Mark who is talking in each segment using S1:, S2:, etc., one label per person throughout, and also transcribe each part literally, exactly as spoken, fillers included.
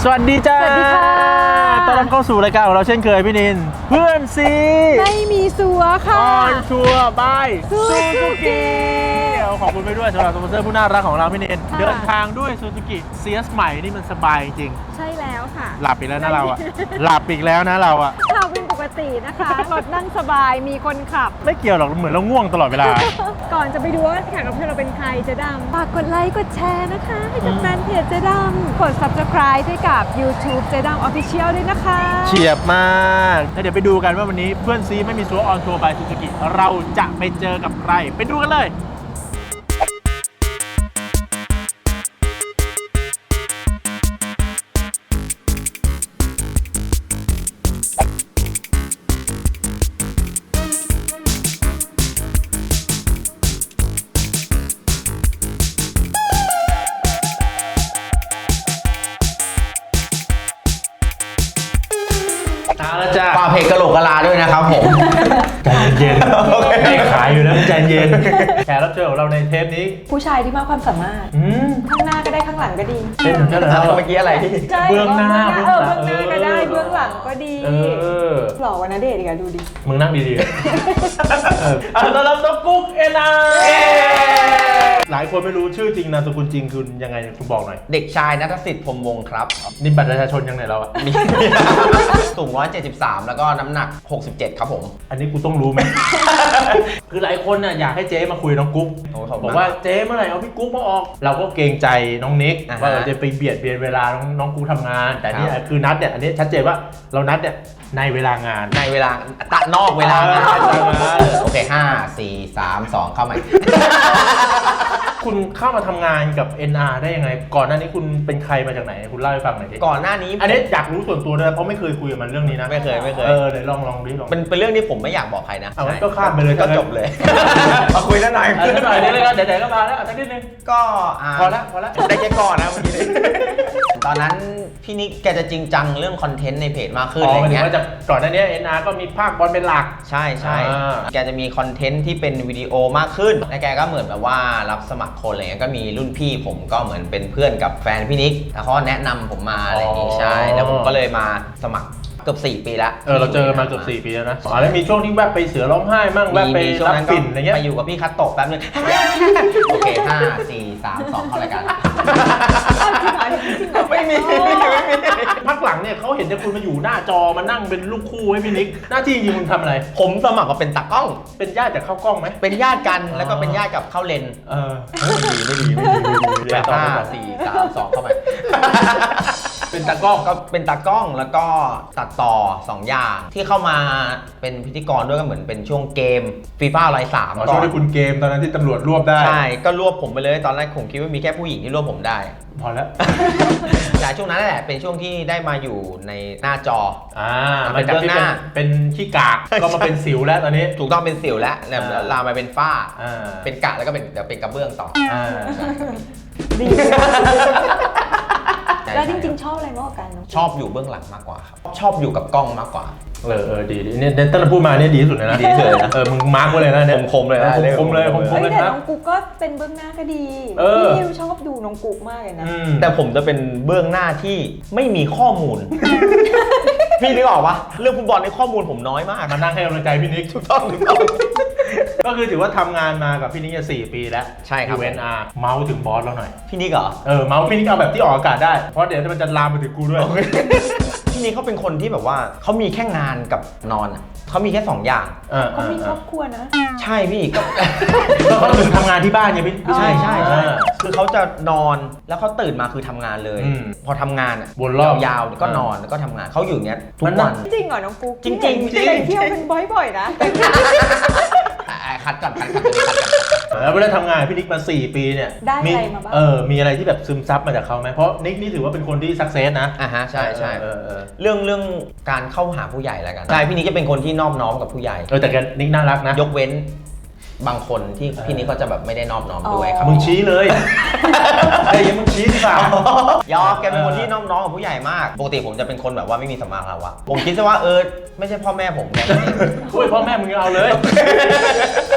S1: สวัสดีจ้า
S2: สวัสดีค่ะ
S1: ต้อนรับเข้าสู่รายการของเราเช่นเคยพี่นินเพื่อนซี
S2: ไม่มีสัวค่ะ
S1: ออนทัวร์บายซู
S2: ซู
S1: ซู
S2: กิ
S1: กิขอบคุณไปด้วยสำหรับสปอนเซอร์ผู้น่ารักของเราพี่นิน
S2: ค่ะ
S1: เดินทางด้วยซูซูกิเซียสใหม่นี่มันสบายจริง
S2: ใช่แล้วค่ะ
S1: หลับอีกแล้วนะเราอะหลับอีกแล้วนะเราอะ
S2: ข่าวเป็นปกตินะคะรถนั่งสบายมีคนขับ
S1: ไม่เกี่ยวหรอกเหมือนเราง่วงตลอดเวลา
S2: ก่อนจะไปดูว่าแขกรับเชิญเราเป็นใครเจ๊ดำฝากกดไลค์กดแชร์นะคะให้กับแฟนเพจเจ๊ดำกด ซับสไครบ์ ด้วยกับ YouTube เจ๊ดำ Official ด้วยนะคะ
S1: เฉียบมากแล้วเดี๋ยวไปดูกันว่าวันนี้เพื่อนซีไม่มีซัวออนทัวร์บายซูซูกิเราจะไปเจอกับใครไปดูกันเลยเอาละจ้า
S3: ฝากเพจกะโหลกกะลาด้วยนะครับผม
S1: ใจเย็นๆไม่ขายอยู่แล้วใจเย็นแขกรับเชิญของเราในเทปนี้
S2: ผู้ชายที่มากความสามารถ
S1: อืม
S2: ข้างหน้าก็ได้ข้างหลังก็ดี
S1: เป็นเหมือนกันเหรอ
S3: เมื่อกี้อะไรที่
S2: ใช่
S1: เบื้องหน้า
S2: เออเบื้องหน้าก็ได้เบื้องหลังก็ดี
S1: เออ
S2: หล่อกว่านะเดชน์อีกอะดูดิ
S1: มึงนั่งดีๆเอออ่ะต้อนรับน้องกุ๊กเอ็นอาหลายคนไม่รู้ชื่อจริงนามสกุลจริงคุณยังไงคุณบอกหน่อย
S3: เด็กชายณัฐสิทธิ์พรหมวงศ์ครับ
S1: นี่บัตรประชาชนยังไงเราอะ
S3: มี สูงหนึ่งร้อยเจ็ดสิบสามแล้วก็น้ำหนักหกสิบเจ็ดครับผม
S1: อันนี้กูต้องรู้ไหม คือหลายคนน่ะอยากให้เจ๊มาคุยน้องกุ๊ก
S3: โอ้ขอบคุณ
S1: บอกว่าเจ๊เมื่อไหร่เอาพี่กุ๊กมาออก เราก็เกรงใจน้องนิก
S3: อ่าฮะ
S1: ว่าเราจะไปเบียดเบียนเวลาน้องน้องกุ๊กทำงาน แต่นี่
S3: ครับ
S1: คือนัดเนี่ยอันนี้ชัดเจนว่าเรานัดเนี่ยในเวลางาน
S3: ในเวลาตะนอกเวลางาน
S1: เออ
S3: โอเคห้าสี่สามสองเข้าใหม่
S1: คุณเข้ามาทำงานกับ เอ็น อาร์ ได้ยังไง ก่อนหน้านี้คุณเป็นใครมาจากไหนคุณเล่าให้ฟังหน่อยดิ
S3: ก่อนหน้านี้
S1: อันนี้อยากรู้ส่วนตัวด้วยเพราะไม่เคยคุยกับมันเรื่องนี้นะ
S3: ไม่เคยไม่เคย
S1: เออเดี๋ยวลองลองดิลอง
S3: เป็นเป็นเรื่องที่ผมไม่อยากบอกใครนะ
S1: เอางั้นก็ข้ามไปเลย
S3: ก็จบเลย มาคุยแล้วหน่อย
S1: เออหน่อยเดี๋ยวเลยก็เดี๋ยวๆก็มาแล้วสักนิดนึง
S3: ก็า
S1: พอละพอละ
S3: ได้แค่ก่อนนะเมื่อกี้ ตอนนั้นพี่นิกแกจะจริงจังเรื่องคอนเทนต์ในเพจมากขึ้น
S1: อ๋อ
S3: อะไร
S1: หมายถึง
S3: เงี้ย
S1: ว่าจะก่อนหน้านี้ เอ็น อาร์ ก็มีภาคบอลเป็นหลัก
S3: ใช่ใช่
S1: อ่า
S3: แกจะมีคอนเทนต์ที่เป็นวิดีโอมากขึ้น และแกก็เหมือนแบบว่ารับสมัครคนอะไรเงี้ย ก็มีรุ่นพี่ผมก็เหมือนเป็นเพื่อนกับแฟนพี่นิกแล้วเขาแนะนำผมมาอะไรอย่างงี้ใช่ แล้วผมก็เลยมาสมัครเกือบสี่ปีละ
S1: เออเราเจอมาเกือบสี่ปีแล้วนะอ๋อแล้วมีช่วงที่แวบไปเสือร้องไห้มั่งแวบ
S3: มี
S1: ไป
S3: มีช่วง
S1: รับ
S3: นั้นก็
S1: ฝิ่นอะไรเงี้ย
S3: ไปอยู่กับพี่คัตโตะแป๊บนึง โอเคห้าสี่สามสองเข้ารายการ ไม่มีไม่มีไม่มี
S1: พักหลังเนี่ยเขาเห็นแต่คุณมาอยู่หน้าจอมานั่งเป็นลูกคู่ให้พี่นิก หน้าที่จริงๆคุณทำอะไร
S3: ผมสมัครมาเป็นตากล้อง
S1: เป็นญาติจากเข้ากล้องไหม
S3: เป็นญาติกันแล้วก็เป็นญาติกับเข้าเลน
S1: เออไม่ดีไม่ดีไม่ดีไม่ดี
S3: แปด
S1: ต่อ
S3: ห้า
S1: ต่อ
S3: สี่สามสองเข้าไป
S1: เป็นตากล้อง
S3: ก็เป็นตากล้องแล้วก็ตัดต่อสองอย่างที่เข้ามาเป็นพิธีกรด้วยก็เหมือนเป็นช่วงเกมฟีฟ่าไลน์สาม
S1: อ๋อช่วงที่คุณเกมตอนนั้นที่ตำรวจรวบได้
S3: ใช่ก็รวบผมไปเลยตอนแรกผมคิดว่ามีแค่ผู้หญิงที่รวบผมได้
S1: พอแล้ว
S3: แต่ช่วงนั้นแหละเป็นช่วงที่ได้มาอยู่ในหน้าจอ
S1: อ่า
S3: เป็
S1: มัน
S3: น
S1: จาก
S3: เบื้อง
S1: ที่
S3: ห
S1: เป็น
S3: น้า
S1: เป็นขี้กากก็มาเป็นสิวแล้วตอนนี้
S3: ถูกต้องเป็นสิวแล้วแล้ว
S1: อ่า
S3: ลามมาเป็นฝ้า
S1: อ่า
S3: เป็นกะแล้วก็เป็นเดี๋ยวเป็นกระเบื้องต่อ
S1: อ่า
S2: ดี
S3: ใช่
S2: แล้วจริงๆ ชอบอะไรมากกว่ากันน้อง
S3: ชอบอยู่เบื้องหลังมากกว่าครับชอบอยู่กับกล้องมากกว่า
S1: เออเออดีดีเนี่ยตั้งแต่พูดมาเนี่ยดีที่สุดเลยนะ
S3: ดีที่สุดเลยนะ
S1: เออมึงมาร์กไว้เลยนะเนี่ย
S3: คมๆเลยนะ
S1: ออคมๆเลยคม
S2: เฮ้
S1: ๆ
S2: ย
S1: เลย
S2: แต่
S1: ครับ
S2: น้องกุ๊กก็เป็นเบื้องหน้าก็ดี
S1: เออ
S2: พี่ชอบดูน้องกุ๊กมากเลยนะ
S1: อืม
S3: แต่ผมจะเป็นเบื้องหน้าที่ไม่มีข้อมูล พี่นึกออกปะเรื่องฟุตบอลในข้อมูลผมน้อยมาก
S1: มานั่งให้กำลังใจพี่นิก
S3: ถูกต้องถูกต้อง
S1: ก็คือถือว่าทำงานมากับพี่นิกเนี่ยสี่ปีแล้ว
S3: ใช่ครับ
S1: ยู เอ็น อาร์ เมาส์ถึงบอสเราหน่อย
S3: พี่นิกเหรอ
S1: เออ เมาส์พี่นิกเอาแบบที่ออกอากาศได้ เพราะเดี๋ยวมันจะลามไปถึงกูด้วย
S3: พี่นิกเขาเป็นคนที่แบบว่าเขามีแค่งานกับนอนอะเขามีแค่สองอย่าง
S1: เออ
S2: เขามีครอบครัวนะ
S3: ใช่พี่ก็
S1: แล้วเขาถึงทำงานที่บ้านไงพี่พี่
S3: ใช่ใช่ใช่
S1: เออ
S3: คือเขาจะนอนแล้วเขาตื่นมาคือทำงานเลย
S1: อืม
S3: พอทำงานอะ
S1: วนรอบ
S3: ยาวๆก็นอนแล้วก็ทำงานเขาอยู่อย่างเงี้ยทุก
S1: มันนั่
S3: วั
S1: ง
S3: น
S2: จริงเหรอน้องกุ๊ก
S3: จริงๆ
S2: ที่ไหน
S3: จริง
S2: เที่ยวเป็นบ่อยๆนะ
S3: อ่ะอ่ะคัดก่อนคัดก่อนตัวนี้คัดก่อน
S1: แล้วเวลาทำงานพี่นิกมาสี่ปีเนี่ย
S2: ได้อะไรมาบ้าง
S1: เออ มีอะไรที่แบบซึมซับมาจากเขาไหมเพราะนิกนี่ถือว่าเป็นคนที่สักเซสนะ
S3: อ่ะฮะใช่ใช่
S1: เออเออ
S3: เรื่องเรื่องการเข้าหาผู้ใหญ่แล้วกันใช่พี่นิกจะเป็นคนที่นอบน้อมกับผู้ใหญ่
S1: เออแต่แกนิกน่ารักนะ
S3: ยกเว้นบางคนที่
S1: เออ
S3: พี่นิกเขาจะแบบไม่ได้นอบน้อมด้วยครับ
S1: มึงชี้เลยไอ้ยังมึงชี้ดีกว่า
S3: ยอมแกเป็นคนที่นอบน้อมกับผู้ใหญ่มากปกติผมจะเป็นคนแบบว่าไม่มีสัมมาคารวะผมคิดซะว่าเออไม่ใช่พ่อแม่ผมแก
S1: อุ้ยพ่อแม่มึงยังเอาเลย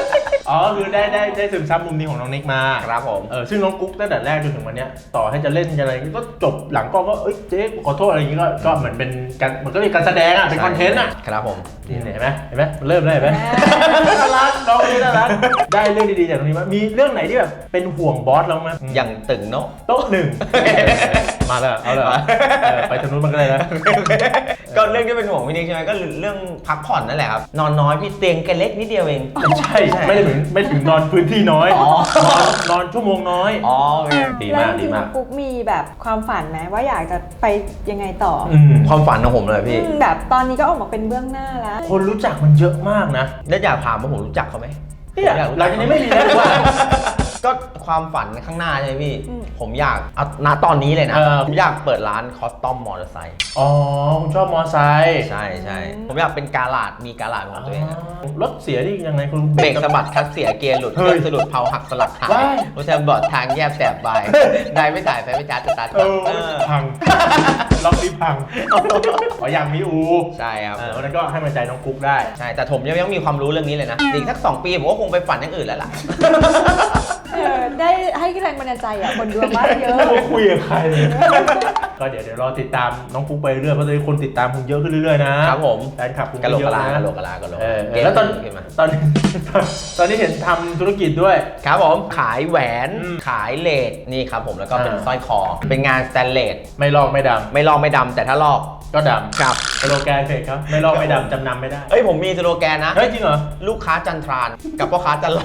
S1: อ๋อคือได้ได้ได้ซึมซับมุมนี้ของน้องนิกมา
S3: ครับผม
S1: เออซึ่งน้องกุ๊กตั้งแต่แรกจนถึงวันเนี้ยต่อให้จะเล่นอะไรก็จบหลังกล้องก็เอ้ยเจ๊ขอโทษอะไรอย่างงี้ก็ก็เหมือนเป็นการมันก็เป็นการแสดงอ่ะเป็นคอนเทนต์อ่ะ
S3: ครับผม
S1: นี่เห็นไหมเห็นไหมมันเริ่มได้เห็นไหมน่ารักน้องนี่น่ารักได้เรื่องดีๆจากตรงนี้มั้ยมีเรื่องไหนที่แบบเป็นห่วงบอสเรามั้ย
S3: อย่างตึงเนาะ
S1: โต๊ะหนึ่งมาแล้วเอาเลยไปทางนู้นมันก็เลยนะ
S3: ก็เรื่องที่เป็นห่วงพี่นิกใช่ไหมก็เรื่องพักผ่อนนั่นแหละครับนอนน้อยพี่เตียงแกเล็กนิดเดียวเอง
S1: ไม่ใช่ไม่ได้ถึงไม่ถึงนอนพื้นที่น้อย
S3: อ๋อ
S1: นอนนอนชั่วโมงน้อย
S3: อ๋อโอเค
S1: ดี
S2: แล้ว
S1: มาก
S2: จ
S1: ดี
S2: ริงๆ
S1: มา
S2: น้อก งกุ๊กมีแบบความฝันไหมว่าอยากจะไปยังไงต่ออ
S1: อืม
S3: ความฝันของผมเลยพี่
S2: อืมแบบตอนนี้ก็ออกมาเป็นเบื้องหน้าแล้ว
S1: คนรู้จักมันเยอะมากนะ
S3: แล้วอยากถามว่าผมรู้จักเขาไหม
S1: เนี่ยหลังจากนี้ไม่มีแล้วดีกว่า
S3: ก็ความฝันข้างหน้าใช่ไหมพี่
S2: อืม
S3: ผมอยากเอาณตอนนี้เลยนะ
S1: เออ
S3: ผมอยากเปิดร้านคอสตอมมอเตอร์ไซค์
S1: อ๋อคุณชอบมอไซค์
S3: ใช่ใช่ผมอยากเป็นกาลาดมีกาลาดของตัวเองอะ
S1: รถเสียนี่ยังไงคุณ
S3: เบรกสะบัดคลัตช์เสียเกียร์หลุดเค
S1: เฮ้
S3: รื่อย งสะดุดเผาหักสลักหาย
S1: ว้าย
S3: รถแทมบอดทางแยบแสบบายนายไม่จ่ายไฟไม่จ่ายสตาร์ท
S1: เออ
S3: เออ
S1: พังล็อกนี้พังอ๋ออยากมีอู
S3: ใช่ครับ
S1: เออแล้วก็ให้มันใจน้องกุ๊กได้
S3: ใช่แต่ผมยังไม่มีความรู้เรื่องนี้เลยนะอีกสักสองปีผมก็คงไปฝันอย่างอื่นแล้วล่ะ
S2: เออได้ให้แรงบันดาลใจอ่ะคนดูมากเยอะ
S1: ไม่คุยกับใครเลยก็เดี๋ยวเดี๋ยวรอติดตามน้องกุ๊กไปเรื่อยเพราะตอนนี้คนติดตามคุณเยอะขึ้นเรื่อยๆนะครับ
S3: ผม
S1: แฟนคลับคุณ
S3: กะโหลก
S1: เย
S3: กะ
S1: อะ
S3: ลา
S1: นะ
S3: กะโหลกกะลากะโหลก
S1: เออ
S3: เก่ง
S1: แล้วตอน
S3: ขึ้นมา
S1: ตอนตอนนี้เห็นทำธุรกิจด้วย
S3: ครับผมขายแหวน
S1: อืม
S3: ขายเลดนี่ครับผมแล้วก็เป็น
S1: อ่า
S3: สร้อยคอ เป็นงานสแตนเลส
S1: ไม่ลอกไม่ด
S3: ไม่ลอกไม่ดำแต่ถ้าลอก
S1: ำก็ดำ
S3: ครับ
S1: สโลแกนเพจครับไม่ลอกไม่ดำจำนำไม่ได้
S3: เอ้ยผมมีสโลแกนนะ
S1: เฮ้ยจริงเหรอ
S3: ลูกค้าจันทรานกับพ่อค้าจันไร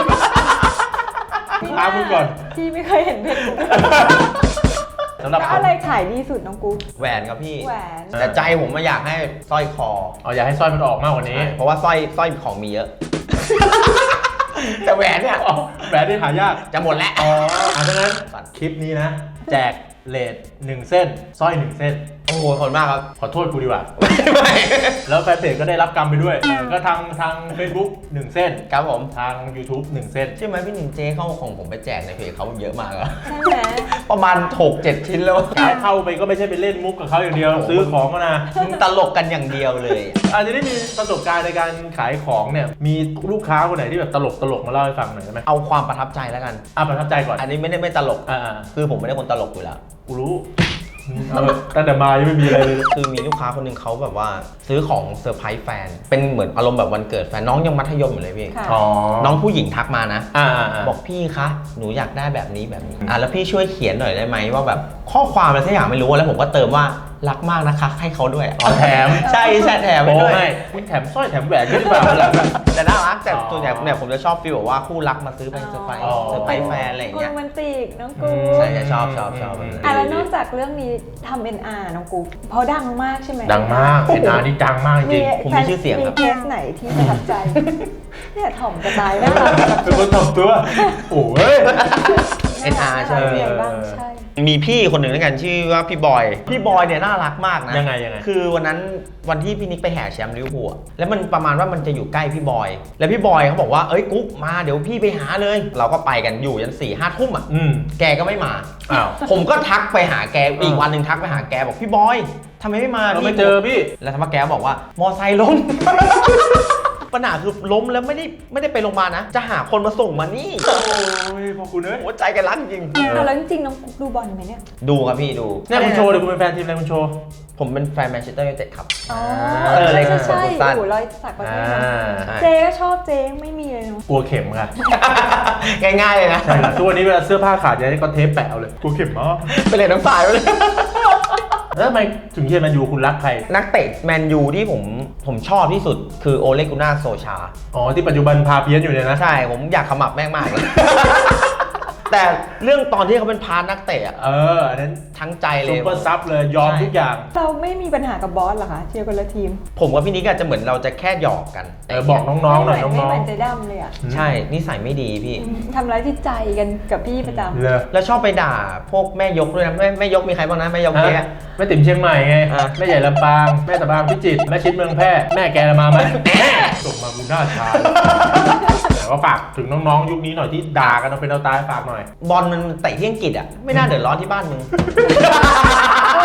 S1: ตามมึงก่อน
S2: พี่ไม่เคยเห็นเพจกุ๊ก
S1: สำหรับ
S2: แล้ว
S1: ผม
S2: อะไรขายดีสุดน้องกุ๊ก
S3: แหวนครับพี่
S2: แหวน
S3: แต่ใจผมมาอยากให้สร้อยคอ
S1: อ๋ออยากให้สร้อยมันออกมากกว่านี้
S3: เพราะว่าสร้อยสร้อยของมีเยอะ แต่แหวนเนี่ย
S1: อ๋อแหวนที่หายาก
S3: จะหมดแล้ว
S1: อ๋ออ่ะดังนั้นคลิปนี้นะ แจกเลทหนึ่งเส้นสร้อยหนึ่งเส้น
S3: โอ้โหขอบคุณมากครับ
S1: ขอโทษกูดีกว่า
S3: ไม่
S1: แล้วแฟนเพจก็ได้รับกรรมไปด้วย ก็ทางทาง Facebook หนึ่งเส้น
S3: ครับผม
S1: ทาง YouTube หนึ่งเส้น
S3: ใช่ไหมพี่หนิงเจ๊เข้าของผมไปแจกในเพจเขาเยอะมากอะ
S2: ใช่ไหม
S3: ประมาณหกเจ็ดชิ้นแล้ว
S1: เข้าไปก็ไม่ใช่ไปเล่นมุกกับเขาอย่างเดียว ซื้อของก็นะ
S3: มึงตลกกันอย่างเดียวเลย
S1: อาจจะได้มีประสบการณ์ในการขายของเนี่ย มีลูกค้าคนไหนที่แบบตลกตลกมาเล่าให้ฟังหน่อยได้ไหม
S3: เอาความประทับใจแล้วกัน
S1: อ่ะประทับใจก่อน
S3: อันนี้ไม่ได้ไม่ตลก
S1: อ่า
S3: คือผมไม่ได้คนตลกอยู่แล้ว
S1: กูรู้เอาเถอะตั้งแต่มายังไม่มีอะไรเลย
S3: คือมีลูกค้าคนหนึ่งเขาแบบว่าซื้อของเซอร์ไพรส์แฟน เป็นเหมือนอารมณ์แบบวันเกิดแฟนน้องยังมัธยมอยู่เลยพี่
S2: ค่ะ
S1: อ๋อ
S3: น้องผู้หญิงทักมานะ
S1: อ่าอ่าอ่า
S3: บอกพี่คะ หนูอยากได้แบบนี้แบบนี้ อ่ะแล้วพี่ช่วยเขียนหน่อยได้ไหมว่าแบบข้อความอะไรสักอย่างไม่รู้แล้วผมก็เติมว่ารักมากนะคะให้เขาด้วย
S1: อ๋อแถม
S3: ใช่ใช่แถมไป
S1: โอ้
S3: ด้วย
S1: ให้คุณแถมสร้อยแถมแหวนก็ได้เปล่าล่ะ
S3: แต่น่ารักแต่
S1: อ๋อ
S3: ส่วนใหญ่เนี่ยผมจะชอบฟีลแบบว่าคู่รักมาซื้อเป็นเซอร์ไพรส์
S1: อ๋อ
S3: เซอร์ไพรส์แฟนอะไรอย่าง
S2: คน
S3: เงี้ย
S2: โรแมนติกน้องกุ๊
S1: อื
S2: ก
S1: ม
S3: ใช่ใช่ชอบชอบชอบแบบนั้น
S2: อ่ะแล้วนอกจากเรื่องนี้ทำ เอ็น อาร์ น้องกุ๊กเพราะดังมากใช่ไหม
S1: ดังมากเอ็นอาร์นี่ดังมากจริง
S3: ผมมีชื่อเสียงครับ
S2: มีเคสไหนที่ประทับใจ เนี่ยถ่อมจะตายน่ารัก
S1: เป็นคนตบตัว โอ้ย
S3: เอ็น อาร์ ใช่ไหม
S2: น่ารักยังไงบ้างใช่
S3: มีพี่คนหนึ่งด้วยกันชื่อว่าพี่บอย พี่บอยเนี่ยน่ารักมากนะ
S1: ยังไงยังไง
S3: คือวันนั้นวันที่พี่นิกไปแห่แชมป์ลิเวอร์พูลอะแล้วมันประมาณว่ามันจะอยู่ใกล้พี่บอย แล้วพี่บอยเขาบอกว่าเอ้ยกุ๊กมาเดี๋ยวพี่ไปหาเลย เราก็ไปกันอยู่ยันสี่ห้าทุ่มอ่ะ
S1: อืม
S3: แกก็ไม่มา
S1: อ้าว
S3: ผมก็ทักไปหาแกอีก
S1: อ่า
S3: วันหนึ่งทักไปหาแกบอกพี่บอยทำไมไม่มา
S1: เรา
S3: พี่
S1: ไม่เจอพี่
S3: แล้วทำไมแกบอกว่ามอไซค์ล้ม ปัญหาคือล้มแล้วไม่ได้ไม่ได้ไปโรงพยาบาลนะ จะหาคนมาส่งมานี่
S1: โอ้ยพอคุณเอ้ย
S3: หัวใจแกรักจริง
S2: อ่ะแล้วจริงๆน้องกุ๊กดูบอลไหมเนี่ย
S3: ดูครับพี่ดู
S1: เนี่ยคุณโชว์เดี๋ยวคุณเป็นแฟนทีมอะไรคุณโชว์
S3: ผมเป็นแฟนแมนเชสเตอร์ยูไนเต็ดครับ
S2: อ๋อ
S3: เอออะไร
S2: ใช่
S3: ข
S2: ใช่
S3: อง
S2: ใช่
S3: คุณสั้น
S2: โอ้โหรอยสักประเท
S1: อ่
S2: ศ
S1: า
S2: เจ๊ก็ชอบเจ๊ไม่มีเลยเนาะ
S1: กลัวเข็มค่ะ
S3: ง่ายๆเลยนะ
S1: ใช่ครับทุกวันนี้เวลาเสื้อผ้าขาดจะได้ก็เทปแปะเอาเลยกลัวเข็มมาก
S3: ไปเลยน้ำสายไปเลย
S1: แล้วทำไมถึงเชียร์แมนยูคุณรักใคร
S3: นักเตะแมนยูที่ผมผมชอบที่สุดคือโอเลกุน่าโซชา
S1: อ๋อที่ปัจจุบันพาเพี้ยนอยู่เนี่ยนะ
S3: ใช่ผมอยากขมับแม่งมากเลย แต่เรื่องตอนที่เขาเป็นพาร์ทนักเตะอะ
S1: เอออันนั้น
S3: ทั้งใจเล
S1: ซุป
S3: ย
S1: เปอร์ซับเลยยอมทุกอย่าง
S2: เราไม่มีปัญหากับบอสเหรอคะเชียร์คนละทีม
S3: ผมกับพี่นิกอาจจะเหมือนเราจะแค่หยอกกัน
S1: เออบอกน้องๆหน่อย
S2: ไม่
S1: น้อง
S2: เหมือนเจ๊ดำเลยอ่ะ
S1: ๆ
S3: ใช่นิสัยไม่ดีพี่
S2: ทำร้ายจิตใจกันกับพี่ประจำ
S1: เลย
S3: แล้วชอบไปด่าพวกแม่ยกด้วยนะแม่แม่ยกมีใครบ้างนะแม่ยกแก
S1: ฮะแม่ติ๋มเชียงใหม่ไง
S3: อ่ะ
S1: แม่ใหญ่ลำปางแม่ตะบางพิจิตรแม่ชิดเมืองแพร่แม่แกมาไหมส่งมากูหน้าชาแต่ว่าฝากถึงน้องๆยุคนี้หน่อยที่ด่ากันเอาเป็นเอาตายฝากหน่อย
S3: บอลมันเตะที่อังกฤษอ่ะไม่น่าเดือดร้อนที่บ้านมึง
S2: เออชอบ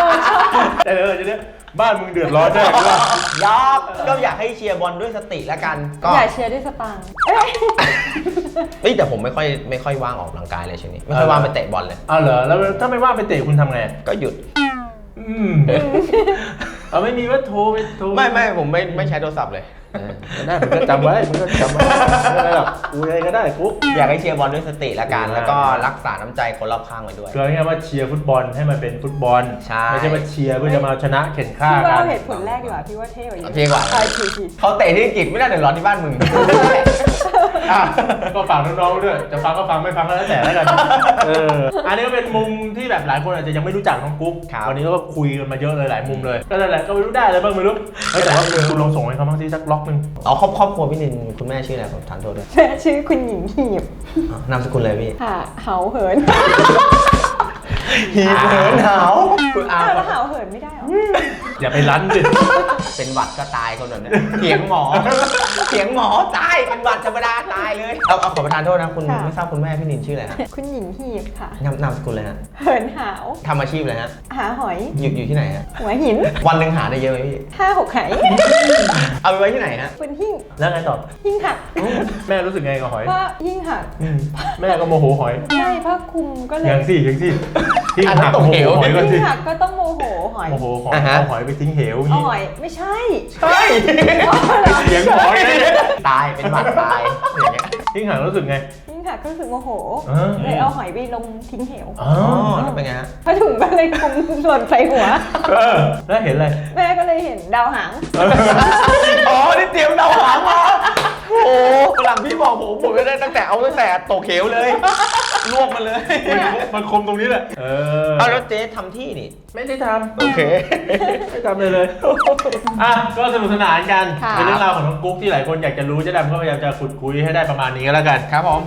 S1: แต่เออจะเนี้ยบ้านมึงเดือดร้อนแน่หรือเปล่าย
S3: อกก็อยากให้เชียร์บอลด้วยสติแล้วกันก็
S2: อย่าเชียร์ด้วยสตางค์เอ้ย
S3: เฮ้ยแต่ผมไม่ค่อยไม่ค่อยว่างออกกำลังกายเลยช่วงนี้ไม่ค่อยว่างไปเตะบอลเลย
S1: อ้าวเหรอแล้วถ้าไม่ว่างไปเตะคุณทำไง
S3: ก็หยุด
S1: อืมเอาไม่มีว่าโทรไปโทร
S3: ไม่ไม่ผมไม่ไม่ใช้โทรศัพท์เลย
S1: เออได้มึงก็จำไว้มึงก็จำไว้ไม่เป็นไรหรอกกูอะไรก็ได้กุ๊ก
S3: อยากให้เชียร์บอลด้วยสติแล้วกัน
S1: อ่า
S3: แล้วก็รักษาน้ำใจคนรอบข้างไว้ด้วย
S1: คือง่ายๆว่าเชียร์ฟุตบอลให้มันเป็นฟุตบอล
S3: ใช่
S1: ไม่ใช่ว่าเชียร์เพื่อจะมาชนะเข็นฆ่า
S2: พี่ว่า
S1: กั
S2: เอา
S1: น
S2: เหตุผลแรกดีกว่าพี่ว่าเท่กว่าเยอะ
S3: เท่กว่า
S2: ใช่ผิดผิด
S3: เขาเตะที่อังกฤษไม่น่าเดือดร้อนที่บ้านมึง
S1: อ่ะก็ฝากน้องๆด้วยจะฟังก็ฟังไม่ฟังก็แล้วแต่แล้วกันเอออันนี้ก็เป็นมุมที่แบบหลายคนอาจจะยังไม่รู้จักน้องกุ๊ก
S3: ครับ
S1: วันนี้ก็คุยกันมาเยอะเลยหลายมุมเลยก็นั่นแหละก็ไม่รู้ได้อะไรบ้างไม่รู้เฮ้ยแต่ว่าคุณลองส่งให้เขาบ้างที่สักล็อกนึง
S3: เอาครอบครอบครัวพี่นินคุณแม่ชื่ออะไรผมทานโทษด้วย
S2: แม่ชื่อคุณหญิงหีบ
S3: อ้าวนามสกุลเลยพี่
S2: ค่ะเหาเหิน
S3: หีบเหินหาวคุณอา
S2: อ้าวแล้วเหาเหินไม่ได้เหรอ
S1: อย่าไปรั้นสิ
S3: เป็นหวัดก็ตายคนแบบนี้เถียงหมอเถียงหมอตายเป็นหวัดธรรมดาตายเลยเอาเอาขอประทานโทษนะคุณไม่ทราบคุณแม่พี่นินชื่ออะไรฮะ
S2: คุณหญิงหีบค่ะ
S3: นามนามสกุลเลยฮะ
S2: เหินหาว
S3: ทำอาชีพอะไรฮะ
S2: หาหอย
S3: อยู่อยู่ที่ไหนฮะ
S2: หัวหิน
S3: วันหนึ่งหาได้เยอะไหมพี่
S2: ห้าหกไห
S3: เอาไปไว้ที่ไหนฮะ
S2: บนหิ้ง
S1: แล้วไงต่อ
S2: หิ้งหัก
S1: แม่รู้สึกไงกับหอย
S2: ว่าหิ้งหัก
S1: แม่ก็โมโหหอย
S2: ใช่ผ้าคลุมก็เลย
S1: ยังสิยังสิทิ้ง
S3: อันนั้
S1: หั
S3: น
S1: ก
S3: ตก
S1: โมโห
S3: เหว
S1: หอยก็สิ
S2: หิ้งหักก็ต้องโมโหหอย
S1: โมโหหอย
S3: อ่าฮะ
S1: เอาหอยไปทิ้งเหวอย่าง
S2: เอา
S1: งี้
S2: หอยไม่ใช่
S3: ใช่
S1: เสียงหอยเลย
S3: ตายเป็นหวัดตายอย่างเงี้ย
S1: ทิ้งหักรู้สึกไง
S2: หิ้งหักก็รู้สึกโมโห
S1: เออ
S2: เลยเอาหอยไปลงทิ้งเหว
S1: อ๋อ
S3: อ๋อแล้วเป็นไงฮะ
S2: ผ้าถุงก็เลยคลุมหล่นใส่หัว
S1: เออแล้วเห็นอะไร
S2: แม่ก็เลยเห็นดาวหาง
S3: อ๋อนี่เตรียมเดาหางมาโอ้หลังพี่บอกผมผมจะได้ตั้งแต่เอาตั้งแต่ตกเขวเลยลวกมาเลย
S1: มันคมตรงนี้แหละเออ
S3: เอาแล้วเจ๊ทำที่นี่
S1: ไม่ได้ท
S3: โอเค
S1: ำไม่ทำเลยเลยอ่ะก็สนุกสนานกัน
S2: ค่ะ
S1: เป็นเรื่องราวของน้องกุ๊กที่หลายคนอยากจะรู้เจ๊ดำก็พยายามจะขุดคุยให้ได้ประมาณนี้ก็แล้วกัน
S3: ครับผม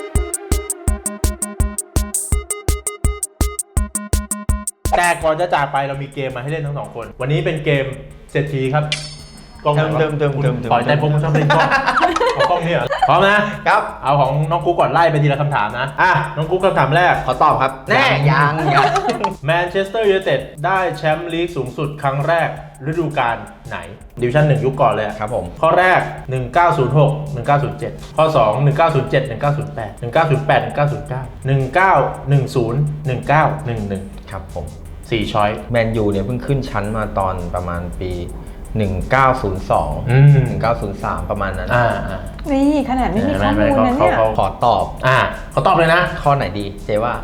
S1: แต่ก่อนจะจากไปเรามีเกมมาให้เล่นทั้งสองคน วันนี้เป็นเกมเศรษฐีครับกล้องไหนวะ
S3: เติมเติม
S1: คุณ
S3: เติมเติม
S1: ปล่อยใจผมชอบเล่นกล้องเอากล้องนี่เหรอพร้อมนะครับ เอาของน้องกุ๊กก่อนไล่ไปทีละคำถามนะอ่ะน้องกุ๊กคำถามแรก
S3: ขอตอบครับ แน่ยังยัง
S1: แมนเชสเตอร์ยูไนเต็ดได้แชมป์ลีกสูงสุดครั้งแรกฤดูกาลไหนดิวิชั่นหนึ่งยุคก่อนเลยอะ
S3: ครับผม
S1: ข้อแรก หนึ่งเก้าศูนย์หก หนึ่งเก้าศูนย์เจ็ด ข้อ สอง หนึ่งเก้าศูนย์เจ็ด หนึ่งเก้าศูนย์แปด หนึ่งเก้าศูนย์แปด หนึ่งเก้าศูนย์เก้า หนึ่งเก้าหนึ่งศูนย์ หนึ่งเก้าหนึ่งหนึ่ง
S3: ครับผม
S1: สี่ช้อย
S3: แมนยูเนี่ยเพิ่งขึ้นชั้นมาตอนประมาณปี หนึ่งเก้าศูนย์สอง
S1: อืม
S3: หนึ่งเก้าศูนย์สามประมาณนั้น
S1: อ่าอ่า
S2: นี่ขนาดไม่มีข้อมูลนะ
S1: เขา
S2: เนี่ย
S1: เขา
S3: ขอตอบ
S1: อ่าเขาตอบเลยนะ
S3: ข้อไหนดีเจ๊ว่า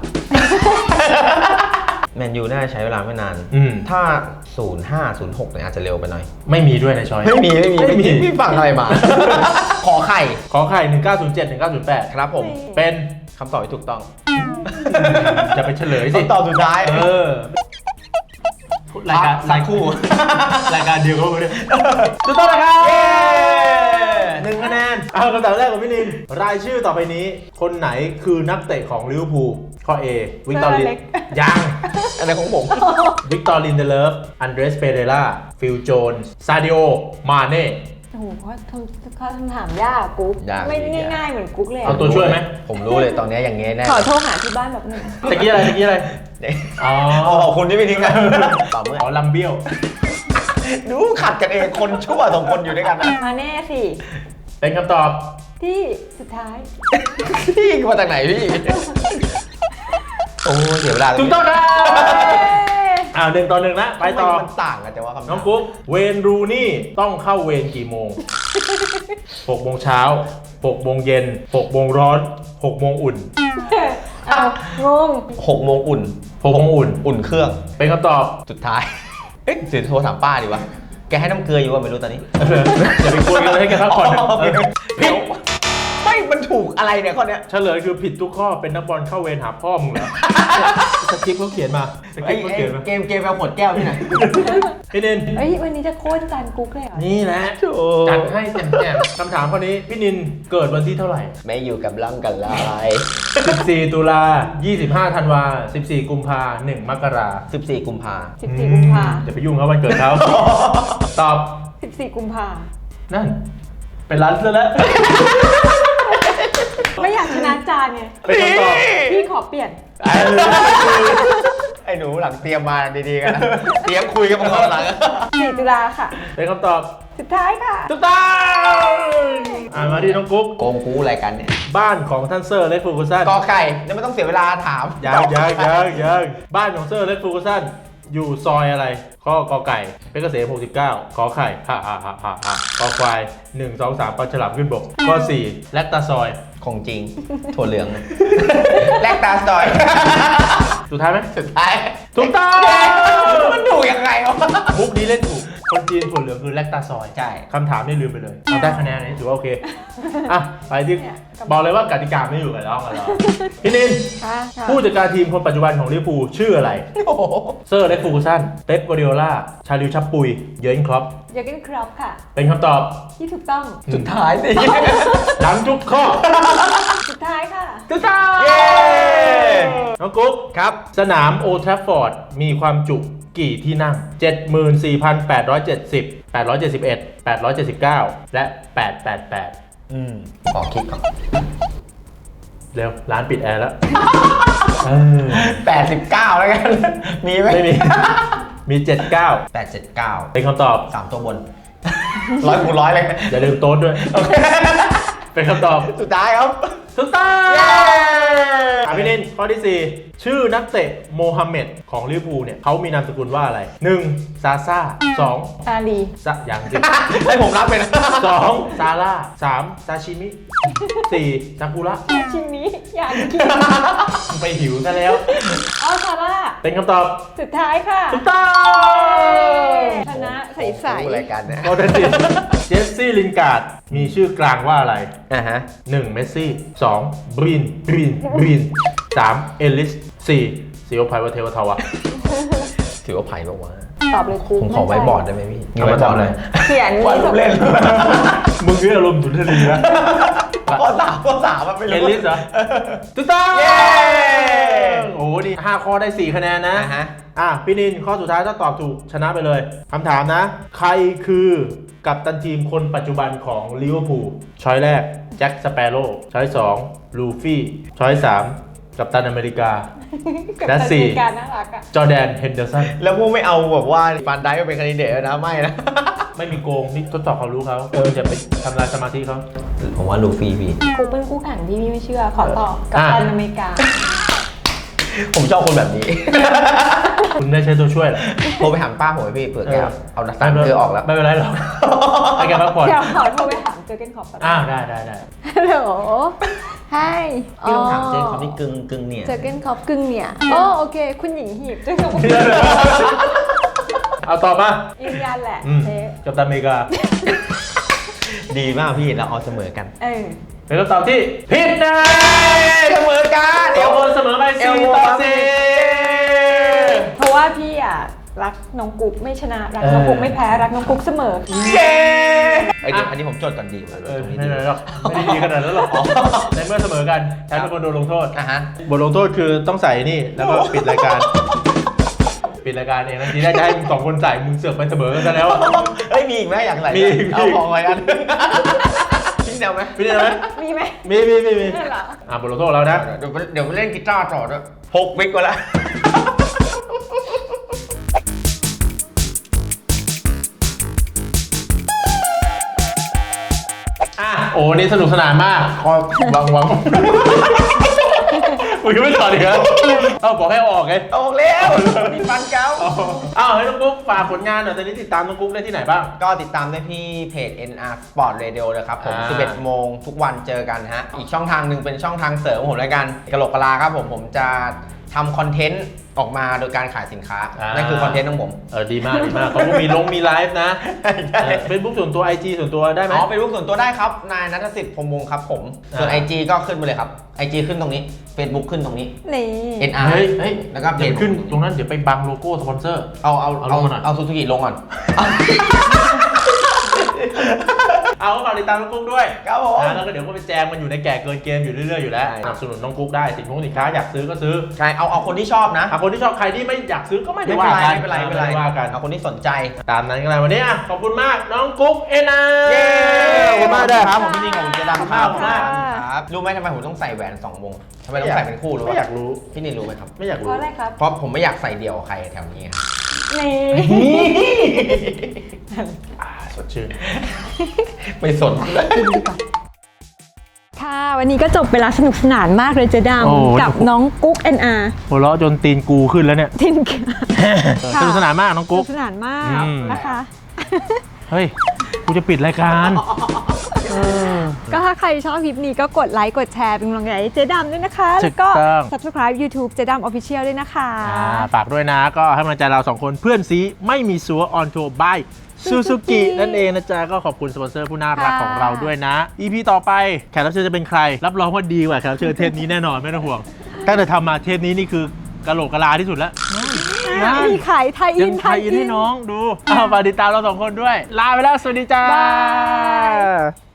S3: แมนยูน่าจะใช้เวลาไม่นาน
S1: อืม
S3: ถ้า ศูนย์ห้า ศูนย์หกเนี่ยอาจจะเร็วไปหน่อย
S1: ไม่มีด้วยในช้อย
S3: ไม่มี ไม่มี
S1: ไม่มี
S3: พี่พี่ฟังอะไรมา ขอไข่
S1: ขอไข่ หนึ่งเก้าศูนย์เจ็ด หนึ่งเก้าศูนย์แปด
S3: ครับผม
S1: เป็น
S3: คำตอบที่ถูกต้อง
S1: จะไปเฉลยสิ
S3: คำตอบสุดท้าย
S1: เออรายการ
S3: สักครู่
S1: รายการเดียวกันเลยถูกต้องนะครับหนึ่งคะแนนเอาคำถามแรกของพี่นินรายชื่อต่อไปนี้ คนไหนคือนักเตะของลิเวอร์พูลข้อ A วิกตอริน
S2: เล็ก
S1: ยัง
S3: อะไรของผม
S1: วิกตอรินเดเลฟอันเดรสเปเรล่าฟิลโจนซาดิโอมาเน่
S2: โอ้โหเพราะคำคำถามยากกุ๊ก
S3: ยาก
S2: ไม่
S3: จริงๆ
S2: ง่ายๆเหมือนกุ๊กเลย
S1: เอา
S2: อะ
S1: ตัวช่วยไหม
S3: ผมรู้เลยตอนนี้อย่างเงี้ยแน่
S2: ขอโทรหาที่บ้านแบบหนึง
S1: ตะกี้อะไรตะกี้อะไร อ๋อ
S3: อ๋อขอบคุณที่ไม่ทิ้งกันตอบเมื่อ
S1: อ๋อลำเบี้ยว
S3: ดูขัดกันเองคนชั่วสองคนอยู่ด้วยกันนะ
S2: มาแน่สิ
S1: เป็นคำตอบ
S2: ที่สุดท้าย
S3: พี่มาจากไหนพี่ โอ้เสียเวลาเลย
S1: ถูกต้องครับอ้าวหนึ่งต่อหนึ่งนะไปต่อ
S3: ทำมมันต่างกันแต่ว่าคำถาม
S1: น้องกุ๊กเวนรูนี่ต้องเข้าเวรกี่โมง หกโมงเช้าหกโมงเย็นหกโมงร้อนหกโมงอุ่น
S2: เอางง
S3: หกโมงอุ่น
S1: หกโมงอุ่น
S3: อุ่นเครื่อง
S1: เป็นคำตอบ
S3: สุดท้าย เอ๊ะเดี๋ยวโทรถามป้าดีวะ แกให้น้ำเกลืออยู่ว่าไม่รู้ตอนนี้
S1: อย่าไปกวนกันเลยให้แกพักผ่อนเถอะ
S3: อ๋อ
S1: เออ
S3: เดี๋ยวไม่มันถูกอะไรเนี่ยข้อเนี้ย
S1: เฉลยคือผิดทุกข้อเป็นนักบอลเข้าเวรหาพ่อมึงเหรอ สคริปต์เขาเขียนมาสค
S3: ไอ้
S1: ริปต์เขา
S3: ไอ้
S1: เขียนมา
S3: เกมเกมเอาขวดแก้วที่ไหน
S1: พี่นิน
S2: เฮ้ยวันนี้จะโค่นจานกุ๊กเลยเหรอ
S1: นี่แหละ
S3: โถ่
S1: จัดให้เต็มแจ่มคำถามข้อนี้พี่นินเกิดวันที่เท่าไหร่
S3: ไม่อยู่กับร่างกันลาย
S1: สิบสี่ ตุลายี่สิบห้า ธันวาสิบสี่ กุมภาหนึ่ง มกรา
S3: สิบสี่กุมภา
S2: สิบสี่กุมภา
S1: อย่าไปยุ่งเขาวันเกิดเขา ตอบ
S2: สิบสี่กุมภา
S1: นั่น เป็นร้านซะแล้ว
S2: ไม่อยากชนะจานไง
S1: เป็นคำตอบ
S2: พี่ขอเปลี่ยน
S3: ไอ้หนูหลังเตรียมมาดีๆกันนะเตรียมคุยกันมาก่อนหลัง
S2: สี่จุฬาค่ะ
S1: เป็นคำตอบ
S2: สุดท้ายค่ะ
S1: ถูกต้องอ่านมาที่น้องกุ๊ก
S3: โกงกูอะไรกันเนี่ย
S1: บ้านของท่านเซอร์เล็กฟูกูสัน
S3: กอไก่เนี่ยไม่ต้องเสียเวลาถาม
S1: ยังยังยังยังบ้านของเซอร์เล็กฟูกูสันอยู่ซอยอะไรข้อกอไก่เพชรเกษมหกสิบเก้าขอไข่ฮ่าฮ่าฮ่าฮ่าฮ่าขอควายหนึ่ง สอง สามปลาฉลามขึ้นบกข้อสี่แลคตาซอย
S3: ของจริง ถั่วเหลือง แลกตาสตอย
S1: สุดท้ายไหม
S3: สุดท้าย
S1: ถูกต้อง
S3: มันถูกยังไงวะ
S1: มุกนี้เล่นถูกคนจีนถั่วเหลืองคือแลคตาซอย
S3: ใช่
S1: คำถามนี่ลืมไปเลยเราได้คะแนนนี้ถือว่าโอเคอ่ะไปที่บอกเลยว่ากติกาไม่อยู่กับเรากับเราพี่นิน
S2: ค่ะ
S1: ผู้จัดการทีมคนปัจจุบันของลิเวอร์พูลชื่ออะไร
S3: โอ้โห
S1: เซอร์เล็กฟูกูสันเป๊ปกัวร์ดิโอลาชาลิวชับปุยเยิร์นคล็อป
S2: เยอร์เกนครอปค่ะ
S1: เป็นคำตอบ
S2: ที่ถูกต้อง
S3: สุดท้ายสิ
S1: หลังทุกข้อ
S2: สุดท้ายค่ะ
S1: ถูกต้อง
S3: เย้
S1: น้องกุ๊ก
S3: ครับ
S1: สนามโอลด์แทราฟฟอร์ดมีความจุกี่ที่นั่ง เจ็ดหมื่นสี่พันแปดร้อยเจ็ดสิบ แปดร้อยเจ็ดสิบเอ็ด แปดร้อยเจ็ดสิบเก้า และ แปดร้อยแปดสิบแปด
S3: อืมขอคิดก่อน
S1: เร็ว ร้านปิดแอร์แล้วเออ
S3: แปดสิบเก้าแล้วกัน มีไหม
S1: ไม่มี มี เจ็ดสิบเก้า
S3: แปดเจ็ดเก้า
S1: เป็นคำตอบ
S3: สามตัวบน ร้อยคูณร้อยเลย
S1: อย่าลืมโต๊ดด้วย เป็นคำตอบ
S3: สุดท้ายครับ
S1: ถูกต้อง
S3: เย้
S1: อ่ะพี่นินข้อที่สี่ชื่อนักเตะโมฮัมเหม็ดของลิเวอร์พูลเนี่ยเขามีนามสกุลว่าอะไร หนึ่ง ซาซ่า สอง
S2: อาลี
S1: ซะอย่างสิ
S3: ให้ผมรับไปนะ
S1: สอง ซาร่า สาม ซาชิมิ สี่ ซากุระ
S2: ชิ้นนี้อยากกิน
S1: ไปหิวซะแล้ว
S2: อ๋อซาร่า
S1: เป็นคำตอบ
S2: สุดท้ายค่ะ
S1: ถูกต้อง
S2: ชนะใส
S3: รู้อะไรกันเนี่ย
S1: ข้อที่สี่เจสซี่ลินการ์ดมีชื่อกลางว่าอะไร
S3: อ่าฮะ
S1: หนึ่ง เมสซี่ สอง บรีน บรีน บรีน สาม เอลิส สี่ ซีโอไพวะเทวทาวะ
S3: ถือว่าไผ่บอกว่า
S2: ๆตอบเลยครู
S3: ผมขอไว้บอร์ดได้ไหมพี่
S1: เอาไว้บอร์ดเลย
S2: เขียน
S3: วาดรูปเล่น
S1: มึงนี่อารมณ์สุนทรีนะ
S3: ข้อสามข้อสามมันไม่
S1: เอ
S3: รู้
S1: ลิสเหรอถูกต้อง
S3: เย้
S1: โอ้โหนี่ห้าข้อได้สี่คะแนนนะ
S3: อ่าฮะ
S1: อ่ะพี่นินข้อสุดท้ายถ้าตอบถูกชนะไปเลยคำถามนะ ใครคือกัปตันทีมคนปัจจุบันของลิเวอร์พูลช้อยแรกแจ็คสเปโร่ช้อยสองลูฟี่ช้อยสามกัปตันอเมริกา และสี่
S2: การน่ารักอ่ะ
S1: จอร์แดนเฮนเดอร์สัน
S3: แล้วพวกไม่เอาแบบว่าฟันได้มาเป็นแคนดิเดตนะไม่นะ
S1: ไม่มีโกงนี่ทดสอบความรู้เขาเอออย่าไปทำลายสมาธิเขา
S3: ผมว่าลูฟี่พี่
S2: กูเป็นคู่แข่งที่พี่ไม่เชื่อ ขอตอบกับ
S1: อ่ะ
S2: ตันอเมริกา
S3: ผมชอบคนแบบนี้
S1: คุณได้ใช้ตัวช่วยเหรอ
S3: โทรไปถามป้าผมไว้พี่เผื่อแก
S1: เออ
S3: เอาดักตันเธอออกแล้ว
S1: ไม่เป็นไรหรอกให้แกพักผ่อน
S2: เดี๋ยวขอโทรไปถามเจอเกนคอปก่อน
S1: อ้าวได้ได้ได้
S2: ฮัลโหลไฮ
S3: พี่ต้องถามเจนเขาที่กึ่งกึ่งเนี่ย
S2: เจอเกนคอปกึ่งเนี่ยโอ้โอเค คุณหญิงหีบเจอกัน
S1: เอาตอบมา
S2: ยืนยันแหละ
S1: อืม
S2: เอ๊ะ
S1: กัปตันอเมริกา
S3: ดีมากพี่เราเอาเสมอกัน
S2: เออ
S1: เป็นคำตอบที่ผิดนะ
S3: เสมอกัน
S1: เดี๋ยวคนเสมอไป
S3: เอล
S1: สี่
S3: โม
S1: ต่อ
S3: ครับ
S1: สี่
S2: เพราะว่าพี่อ่ะรักน้องกุ๊กไม่ชนะ รักน้องกุ๊กไม่แพ้ รักน้องกุ๊กเสมอ
S3: เย้เอ้ยเดี๋ยวอันนี้ผมจดก่อนดี
S1: เออไม่เป็นไรหรอกไม่ได้ดีขนาดนั้นหรอกในเมื่อเสมอกันแทนเป็นคนโดนลงโทษ
S3: อ่ะฮะ
S1: บทลงโทษคือต้องใส่นี่แล้วก็ปิดรายการ ปิดรายการเองนะทีแรกจะให้มึงสองคนใส่มึงเสือกไปเสมอกันซะแล้วอะ
S3: เอ้ยมีอีกไหมอยากใส่
S1: มีมี
S3: เอาพอไว้อันทิ้งเดียวไหม
S1: พี่ได้ไหม
S2: มีไหม
S1: มีมีมีมี
S2: นั่นเหรอ
S1: อ่ะบทลงโทษเรานะ
S3: เดี๋ยวเดี๋ยวไปเล่นกีตาร์ต่อด้วยหกวิกกว่าแล้ว
S1: อ่ะโอ้นี่สนุกสนานมากคอยวังวังมึงยังไม่ถอดอีกเหรอเอ้าบอกให้ออกไง
S3: ออกแล้วมีฟันเก้า
S1: อ้าวให้น้องกุ๊กฝากผลงานหน่อยตอนนี้ติดตามน้องกุ๊กได้ที่ไหนบ้าง
S3: ก็ติดตามได้ที่เพจ เอ็น อาร์ Sport Radio เลยครับผม
S1: อ่า
S3: สิบเอ็ดโมงทุกวันเจอกันฮะ อีกช่องทางหนึ่งเป็นช่องทางเสริมของผมแล้วกันกะโหลกกะลาครับผม ผมจะทำคอนเทนต์ออกมาโดยการขายสินค้า นั่นคือคอนเทนต์ของผม
S1: เออดีมากดีมากเขาก็มีลงมีไลฟ์นะเฟซบุ๊กส่วนตัว ไอ จี ส่วนตัวได้ไหม
S3: อ๋อเป็นรูปส่วนตัวได้ครับ นายนัทสิทธิ์พรหมวงศ์ครับผม ส่วน
S1: อ่า
S3: ไอ จี ก็ขึ้นไปเลยครับ ไอ จี ขึ้นตรงนี้ Facebook ขึ้นตรงนี้
S2: นี่
S3: เอ็น อาร์
S1: เฮ้ยเฮ้ย
S3: แล้วก็เพ
S1: เดี๋ย
S3: จ
S1: วขึ้นตรงนั้นเดี๋ยวไปบังโลโก้สปอนเซอร์
S3: เอาเอา
S1: เอาล
S3: เอา
S1: งมาหน่อย
S3: เอาซูซูกิลงก่อน
S1: เอาฝากติดตามน้องกุ๊กด้วย
S3: ครับผม
S1: นะแล้วก็เดี๋ยวก็ไปแจมมันอยู่ในแก่เกินเกมอยู่เรื่อยๆอยู่แล้วสนับสนุนน้องกุ๊กได้สินค้าสินค้าอยากซื้อก็ซื้อ
S3: ใช่เอาเอาคนที่ชอบนะ
S1: อ่ะคนที่ชอบใครที่ไม่อยากซื้อก็ไม่ได้
S3: ไม่เป็น
S1: ว่า
S3: ไร
S1: กัน
S3: ไม่เป็นไรไม่เป็นไร
S1: ว่ากัน
S3: เอาคนที่สนใจ
S1: ตามนั้นกันเลยวันนี้อ่ะขอบคุณมากน้องกุ๊กเอ็นอา
S3: เย้
S1: ขอบคุณมากเด้อ
S3: ครับผมพี่นิ่งของเจดำครับ
S1: ขอบคุณมาก
S3: ครับรู้ไหมทำไมผมต้องใส่แหวนสองวงทำไมต้องใส่เป็นคู่รู้
S1: ไม่
S3: ป่ะ
S1: อยากรู้
S3: พี่นิ่งรู้ไหมครับ
S1: ไม่อยาก
S2: เพ
S1: รู้
S2: ราะอะไรครับ
S3: เพราะผมไม่อยากใส่เดี่ยวกับใครแถวนี้ครับ
S2: นี่
S1: อ่าสดชื่น
S3: ไม่สนเลย
S2: ค่ะ วันนี้ก็จบไปแล้วสนุกสนานมากเลยเจด
S1: โอ้
S2: ำกับน้องกุ๊ก เอ็น อาร์
S1: หัวเราะจนตีนกูขึ้นแล้วเนี่ย
S2: ทิน
S1: สนุกสนานมากน้อง
S2: ส
S1: กุ๊
S2: นุ
S1: ก
S2: กสนานมาก
S1: อืม
S2: นะคะ
S1: เฮ้ยกูจะปิดรายการเออ
S2: ก็ถ้าใครชอบคลิปนี้ก็กดไลค์ กดแชร์ เป็นกำลังใจให้เจดำด้วยนะคะ
S1: ถู
S2: แล้ว
S1: ก
S2: ก็
S1: ต้อง
S2: subscribe YouTube เจดำ Official ด้วยนะคะ
S1: อ่าฝากด้วยนะก็ให้กำลังใจเราสองคนเพื่อนซีไม่มีซัวออนโทบายซูซูกินั่นเองนะจ๊ะก็ขอบคุณสปอนเซอร์ผู้น่ารักของเราด้วยนะ อี พี ต่อไปแขกรับเชิญจะเป็นใคร รับรองว่าดีกว่าแขกรับเชิญเทปนี้แน่นอนไม่ต้องห่วงตั้งแต่ทำมาเทปนี้นี่คือกะโหลกกะลาที่สุดแล้ว
S2: มีขายไทยอิ
S1: ยั
S2: น
S1: งไทยอินให้น้องดูอ้าวฝากติดตามเราสองคนด้วย ลาไปแล้ว สวัสดีจ้า
S2: บาย